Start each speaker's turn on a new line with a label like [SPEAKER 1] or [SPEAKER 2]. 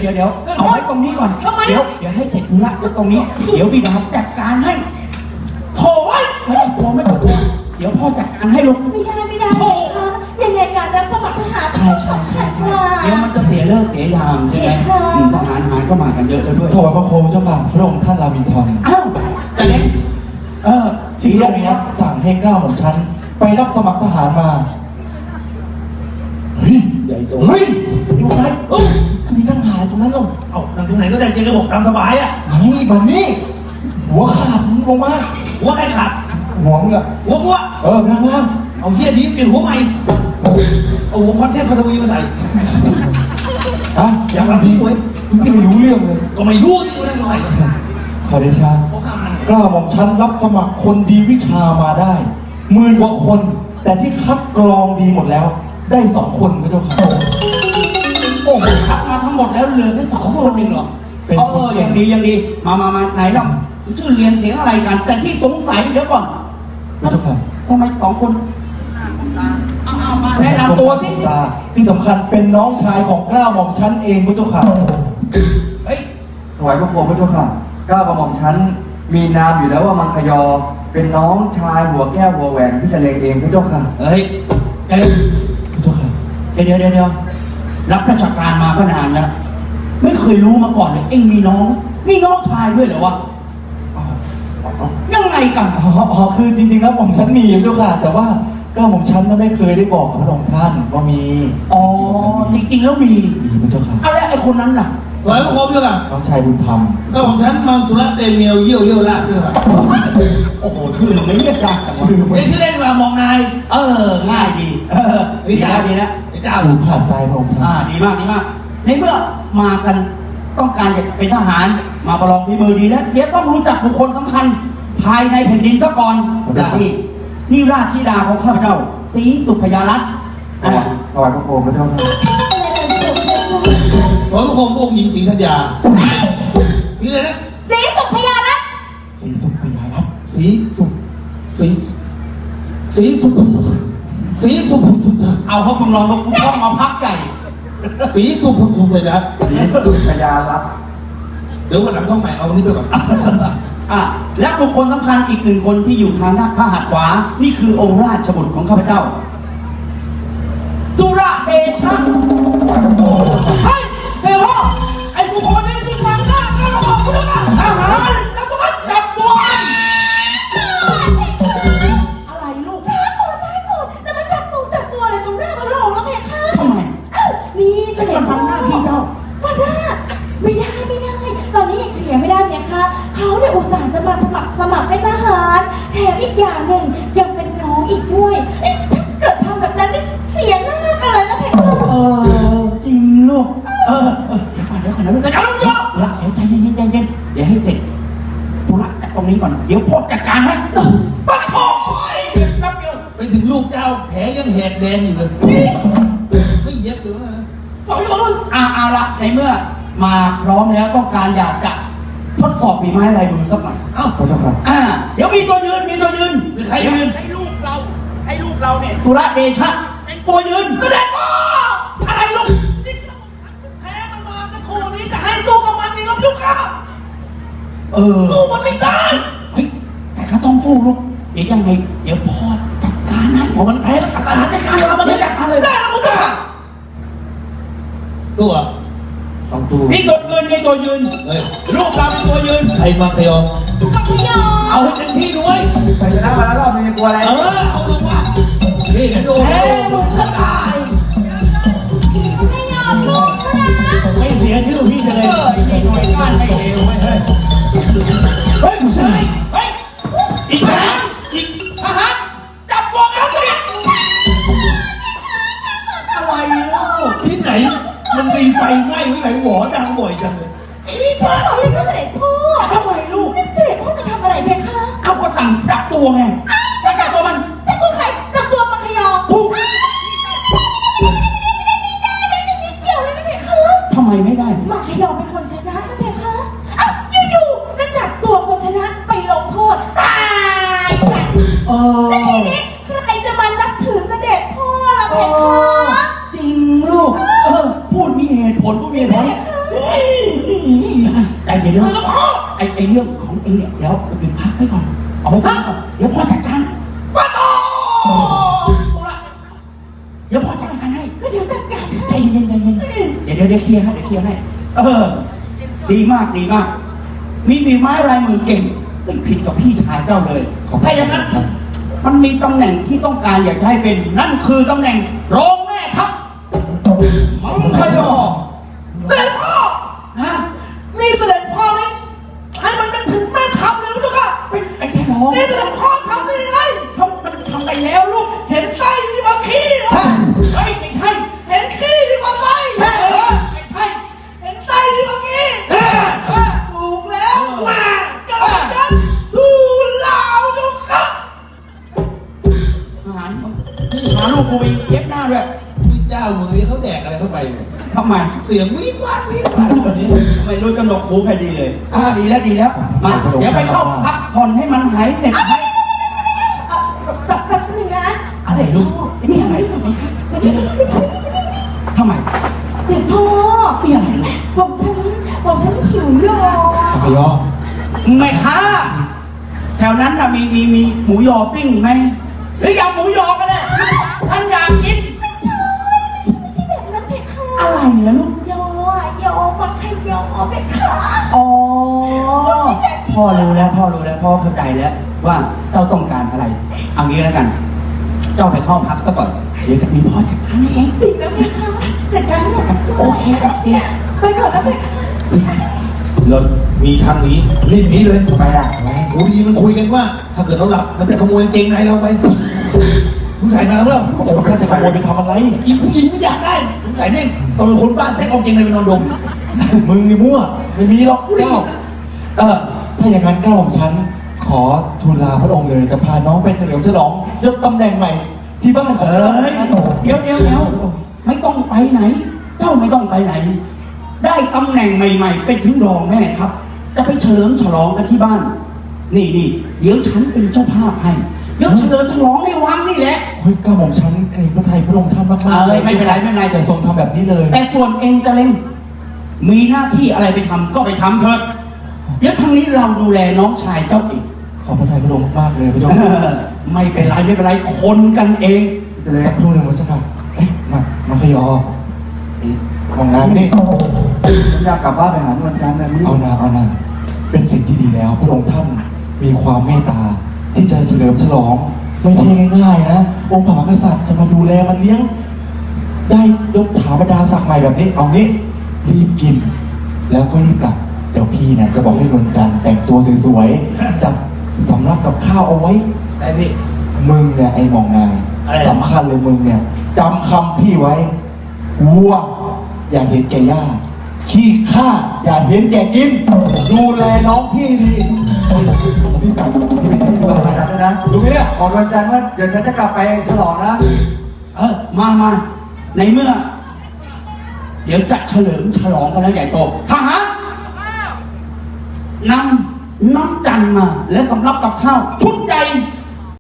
[SPEAKER 1] ยวเอาไว้ตรงนี้ก่อนเดี๋ยวให้เสร็จธุระตรงนี้เดี๋ยวบิดาจัดการให้โถ่ไม่ต้องกลัวไม่ต้องกลัวเดี๋ยวพ่อจัดการให้ลูก
[SPEAKER 2] ไม่ได้ค่ะยังไงการรับสมัครทหาร
[SPEAKER 1] ใช่เดี๋ยวมันจะเสียเลิกเสียยามใช่ไหมทหารก็มากันเยอะแล้วด้วย
[SPEAKER 3] ถวายพระโคมเจ้าค่ะพระองค์ท่านรามินทร
[SPEAKER 1] อ้าวแต่เล็ก
[SPEAKER 3] ที่พระองค์รับสั่งให้เกล้าของฉันไปรับสมัครทหารมาเฮ้ย
[SPEAKER 1] ใหญ่โต
[SPEAKER 3] อยู่ไหนมีนั่งหายตรงนั้นลง
[SPEAKER 4] นั่งตรงไหนก็ได้เจ๊ก็บอกตามสบายอ่ะ
[SPEAKER 3] นี่บันนี่หัวขาดลงมา
[SPEAKER 4] หัวใครขาด
[SPEAKER 3] หัวมึงอะ
[SPEAKER 4] หัว
[SPEAKER 3] ล่าง
[SPEAKER 4] เอาเหี้ยนี้เปลี่ยนหัวใหม่เอาหัวพรเทพพัทวีมาใส่
[SPEAKER 3] อย่างนั้นพี่เว้ยไม่รู้เรื่องเลย
[SPEAKER 4] ก็ไม่รู้นี่เรื่องอะไร
[SPEAKER 3] ขอเดชะกล้าบอกฉันรับสมัครคนดีวิชามาได้10,000 กว่าคนแต่ที่คัดกรองดีหมดแล้วได้2 คนไม่เจ้าค่ะ
[SPEAKER 1] โอ้โหคัดมาทั้งหมดแล้วเหลือแค่2 คนเองเหรอยังดีมาไหนล่ะชื่อเรียนเสียงอะไรกันแต่ที่สงสัยเดี๋ยวก่อน
[SPEAKER 3] ไม่เจ้าค่ะ
[SPEAKER 1] ทำไม2 คนเอามาแนะนำตัวสิ
[SPEAKER 3] ที่สำคัญเป็นน้องชายของกล้าหม่อมฉันเองพระเจ้าค่ะ
[SPEAKER 1] เฮ้ย
[SPEAKER 5] ถวายพระโคมพระเจ้าค่ะกล้ากระหม่อมฉันมีนามอยู่แล้วว่ามังคยอเป็นน้องชายหัวแก้วหัวแหวนที่จะเลงเองพระเจ้าค่ะ
[SPEAKER 1] เฮ้ยพระเจ้าค่ะเดี๋ยวรับราชการมาก็นานแล้วไม่เคยรู้มาก่อนเลยเอ็งมีน้องชายด้วยเหรอวะยังไงกัน
[SPEAKER 3] คือจริงๆแล้วหม่อมฉันมีพระเจ้าค่ะแต่ว่าก็หม่อมฉันไม่เคยได้บอกกับพระองค์ท่านว่ามี
[SPEAKER 1] จริงๆแล้วมี
[SPEAKER 3] พระเจ้าค่ะ
[SPEAKER 1] อะไรไอ้คนนั้นล่ะ
[SPEAKER 4] ถวายพระโคมเจ้าค่ะ
[SPEAKER 3] น้องชายบุญธรรม
[SPEAKER 4] ก็ของฉันมังสุระเตเมียวเยี่ยวลาดเจ้าค่ะ
[SPEAKER 1] โอ้โหชื่อมันไม่เรียกยาก
[SPEAKER 4] ไม่ชื่อเล่นว่ามองนาย
[SPEAKER 1] ง่ายดีวิจารดีแล้ว
[SPEAKER 3] หรือผ่าทรายพระองค์ท่าน
[SPEAKER 1] ดีมากในเมื่อมากันต้องการจะเป็นทหารมาประลองฝีมือดีแล้วเดี๋ยวต้องรู้จักบุคคลสำคัญภายในแผ่นดินซะก่อนนี่ราชธิดาของข้าพเจ้าศรีสุพยารัตน์
[SPEAKER 5] ถวายพระโคมพระเจ้าค่ะ
[SPEAKER 4] ถวายพระโคมองค์หญิงศรีธัญญาศรีอะไรนะ
[SPEAKER 2] ศรีสุพยารัตน์
[SPEAKER 4] ศรีสุพยารัตน์ศรีสุ
[SPEAKER 1] เอาเขาพึงลองมาพักใหญ่
[SPEAKER 4] ศรีสุพยารัตน์เดี๋ยววันหลังช่องใหม่เอาวันนี้ไปก่อน
[SPEAKER 1] และบุคคลสำคัญอีก1 คนที่อยู่ทางด้านพระหัตถ์ขวานี่คือองค์ราชบุตรของข้าพเจ้าสุรเดชะเฮ้ยเฮ้ยพ่อไอ้บุคคลนี้ที่ฟังหน้าก็ระบอกกูด้วยนะทหารจับตัวอะไรลูก
[SPEAKER 2] ช้าก่อนแต่มันจับตัวอะไรตรงหน้ามันหลอกแล้วเพคะ
[SPEAKER 1] ทำไม
[SPEAKER 2] นี่จะเห็น
[SPEAKER 1] ฟังหน้าพี่เจ้า
[SPEAKER 2] ฟังหน้าไม่ได้ตอนนี้ยังเคลียร์ไม่ได้เนี่ยค่ะเขาเนี่ยอุตส่าห์จะมาสมัครเป็นทหารแถมอีกอย่างหนึ่งยังเป็นน้องอีกด้วยถ้าเกิดทำแบบนั้นนี่เสียหน้ากันเลยนะเพคะ
[SPEAKER 1] จริงลูกเดี๋ยวก่อนนะลูกจะลูกละเดี๋ยวใจเย็นเดี๋ยวให้เสร็จธุระจากตรงนี้ก่อนเดี๋ยวพ่อจัดการให้ปัดทอง
[SPEAKER 4] ไปถึงลูกเจ้าแผลยังแหกแดงอยู่เลยไม่เย็บหรือไง
[SPEAKER 1] บอกให้ลูกเอาละในเมื่อมาพร้อมแล้วต้องการอยากจะทดสอบฝีไม้ลายมือสักหน่อย
[SPEAKER 3] พระเจ้าค่ะ
[SPEAKER 1] เดี๋ยวมีตัวยืน
[SPEAKER 4] ใครยืน
[SPEAKER 1] ให้ลูกเราเนี่ยสุรเดชะเป็นตัวยืน
[SPEAKER 4] แสดงว่า
[SPEAKER 1] อะไรลูก
[SPEAKER 4] แพ้มันมาตะโคนี้จะให้ลูกกับมันนี่รับลูกค่ะลูกมันไม่ได้
[SPEAKER 1] แต่เขาต้องสู้ลูกเดี๋ยวยังไงเดี๋ยวพ่อจัดการให้พอมันแพ้แล้วจัดการเรามันจัดการเลย
[SPEAKER 4] ได้แล้วมึงจ้ะตัว
[SPEAKER 3] ต้องสู้
[SPEAKER 1] นี่ตัวยืนนี่ตัวยืนลูกเราเป็นตัวยืน
[SPEAKER 4] ใครมาเตียว
[SPEAKER 1] เอาให้เต็มที่ด้วย
[SPEAKER 5] ไปชนะมาแล้วรอบนึงจะกลัวอะไร
[SPEAKER 4] เอาลงมานี่กันแพ้ลูกก็ตาย
[SPEAKER 2] ไม่ยอมลูกก็นะ
[SPEAKER 4] ไม่เสียชื่อพี่เลย
[SPEAKER 1] หน่วยก้านไม่เร็วเฮ้ยอีกแล้วทหารจับพวกเราเลย
[SPEAKER 4] อะไรลูกที่ไหนมันมีไฟไหม้ที่ไหนหวอดังบ่อยจังเลย
[SPEAKER 2] นี่ใช่หรอเลยก็เสด็จพ่อ
[SPEAKER 1] ทำไมลูก
[SPEAKER 2] เสด็จพ่อจะทำอะไรเพคะ
[SPEAKER 1] เอาก็สั่งจับตัวไงจะจับตัวมัน
[SPEAKER 2] จับตัวใครจับตัวมังคยอ
[SPEAKER 1] ถูก
[SPEAKER 2] ไม่ได้นิดเดียวเลยนะเพคะ
[SPEAKER 1] ทำไมไม่ได้
[SPEAKER 2] มังคยอเป็นคนชนะนะเพคะอยู่ๆจะจับตัวคนชนะไปลงโทษตายแล้วทีนี้ใครจะมานับถือเสด็จพ่อล่ะเพคะ
[SPEAKER 1] จริงลูกพูดมีเหตุผลเย็น
[SPEAKER 4] ไม่
[SPEAKER 1] นะ
[SPEAKER 4] แล้วพ่อ
[SPEAKER 1] ไอเรื่องของเองเนี่ยเดี๋ยวหยุดพักไว้ก่อนเอาไว้พักก่อนเดี๋ยวพ่อจัดการ
[SPEAKER 4] ป้าโต
[SPEAKER 1] เดี๋ยวพ่อจัดการให้
[SPEAKER 2] ก็เดี๋ยวจัดการ
[SPEAKER 1] ใจเย็นใจเย็นเดี๋ยวเคลียร์ให้เดี๋ยวเคลียร์ให้ดีมากดีมาก มีฝีไม้ลายมือเก่งไม่ผิดกับพี่ชายเจ้าเลยถ้าอย่างนั้นมันมีตำแหน่งที่ต้องการอยากจะให้เป็นนั่นคือตำแหน่งรองแม่ทัพมังคยอ
[SPEAKER 4] เสด็จพ่อ
[SPEAKER 1] ฮะ
[SPEAKER 4] นี่เสด็จพ่อเลยให้มันเป็นถึงแม่ทัพเลยนะเจ้าค่ะ
[SPEAKER 1] เป็นแค่รอง
[SPEAKER 4] นี่เสด็จพ่อทำได้ยังไง
[SPEAKER 1] มันทำไปแล้วลูก
[SPEAKER 4] เห็นไส้ที่มาขี้เหรอ
[SPEAKER 1] เฮ้ยไม่ใช่
[SPEAKER 4] เห็นขี้ที่มาไส้
[SPEAKER 1] ไม่ใช่
[SPEAKER 4] เห็นไส้ที่มาขี้ถูกแล้วว่ากันกันดูลาวเจ้าค่ะ
[SPEAKER 1] หาลูกกูไปเย็บหน้าด้วย
[SPEAKER 6] พี่เจ้ามือเขาแดกอะไรเข้าไปเนี่ย
[SPEAKER 1] ทำไม
[SPEAKER 6] เสียงวิบวับวิบวับแบบนี้
[SPEAKER 1] ไม่รู้กำหนดหูใครดีเลยดีแล้วดีแล้วมาเดี๋ยวไปเข้าพักผ่อนให้มันหายเหน็ดหาย
[SPEAKER 2] แป๊บนึงนะ
[SPEAKER 1] อะไรลูกนี่อะไรทำไม
[SPEAKER 2] เดี๋ยวพ่อ
[SPEAKER 1] นี่อะไรลูก
[SPEAKER 2] บอกฉันหิวโย
[SPEAKER 3] มังคยอ
[SPEAKER 1] แม่ค้าแถวนั้นน่ะมีหมูยอปิ้งไหมหรือยำหมูยอก็ได้ท่านอยากกิน
[SPEAKER 2] ไม่ใช่แบบนั้นเพคะ
[SPEAKER 1] อะไรล่ะลูก
[SPEAKER 2] ยอมังคยอเพคะ
[SPEAKER 1] อ๋อพ่อรู้แล้วพ่อเข้าใจแล้วว่าเจ้าต้องการอะไรเอางี้แล้วกัน เจ้าไปเข้าพักซะก่อนเดี๋ยวจะมีพ่อจัดการให้เอง
[SPEAKER 2] จริงแล้วเพคะจัดการให้หน่อย
[SPEAKER 1] โอเค
[SPEAKER 2] ไปก่อนนะเพคะ
[SPEAKER 6] รถมีทางนี้รีบหนี้เลย
[SPEAKER 5] ไปละ
[SPEAKER 6] กูดีมันคุยกันว่า ถ้าเกิดเราหลับมันจะขโมยกางเกงในเราไปมึงใส่มาแล้วเปล่า
[SPEAKER 3] โอ้โหข้าจะขโมยไปทำอะไร
[SPEAKER 6] อีผู้หญิงไม่อยากได้มึงใส่แม่งตอนเป็นคนบ้านเซ็กเอากางเกงในไปนอนดม
[SPEAKER 3] มึงนี่มั่ว ไม่มีหรอก
[SPEAKER 6] กูดี
[SPEAKER 3] เก้าถ้าอย่างนั้นเก้าของฉัน ขอทูลลาพระองค์เลยจะพาน้องไปเฉลิมฉลองยศตำแหน่งใหม่ ที่บ้านของ
[SPEAKER 1] เอ้
[SPEAKER 3] เรา
[SPEAKER 1] ยเดี๋ยวไม่ต้องไปไหน เจ้าไม่ต้องไปไหน ได้ตำแหน่งใหม่ๆเป็นถึงรองแม่ครับ จะไปเฉลิมฉลองกันที่บ้าน นี่เดี๋ยวฉันเป็นเจ้าภาพให้เดี๋ยวเฉลิมฉลองในวังนี่แหละ
[SPEAKER 3] เฮ้ยเก้าของฉันเกรงพระไทยพระองค์ท่านมากๆ
[SPEAKER 1] เอ้ยไม่เป็นไร
[SPEAKER 3] แต่ทรงทำแบบนี้เลย
[SPEAKER 1] แต่ส่วนเองจะเล่นมีหน้าที่อะไรไปทำก็ไปทำเถิดเดี๋ยวทางนี้เราดูแลน้องชายเจ้าเอง
[SPEAKER 3] ขอบพระทัยพระองค์มากๆเลยพระเจ้า
[SPEAKER 1] ไม่เป็นไรคนกันเอง
[SPEAKER 3] เลยสักครู่หนึ่งพระเจ้าค่ะเอ๊ะมาขยอมองน้ำนี่
[SPEAKER 5] ผมอยากกลับบ้านไปหานวลจันทร์นะพี่
[SPEAKER 3] เอานาเป็นสิ่งที่ดีแล้วพระองค์ท่านมีความเมตตาที่จะเฉลิมฉลองไม่ใช่ง่ายๆนะองค์พระมหากษัตริย์จะมาดูแลมันเลี้ยง ได้ยกถาบรรดาศักดิ์ใหม่แบบนี้เอางี้รีบกิน แล้วก็รีบกลับเดี๋ยวพี่เนี่ยจะบอกให้นวลจันทร์แต่งตัวสวยๆจัดสำรับกับข้าวเอาไว้
[SPEAKER 6] ได้พี่
[SPEAKER 3] มึงเนี่ยไอ้มองนาย
[SPEAKER 6] อะไรนะ
[SPEAKER 3] สำคัญเลยมึงเนี่ยจำคำพี่ไว้วัวอย่าเห็นแก่ย่าขี้ข้าอย่าเห็นแก่กิน ดูแลน้องพี่ดีพี่กลับพี่ไปที่
[SPEAKER 5] นว
[SPEAKER 3] บ้า
[SPEAKER 5] ล
[SPEAKER 3] น
[SPEAKER 5] จันทร์ด้วยนะ
[SPEAKER 3] ดูไหมเนี่ย
[SPEAKER 5] บอกนวลจันทร์ว่าเดี๋ยวฉันจะกลับไปฉลองนะ
[SPEAKER 1] มาในเมื่อ เดี๋ยวจะเฉลิมฉลองกันแล้วใหญ่โตทหารนำน้ำจันทร์มาและสำรับกับข้าวชุดใหญ่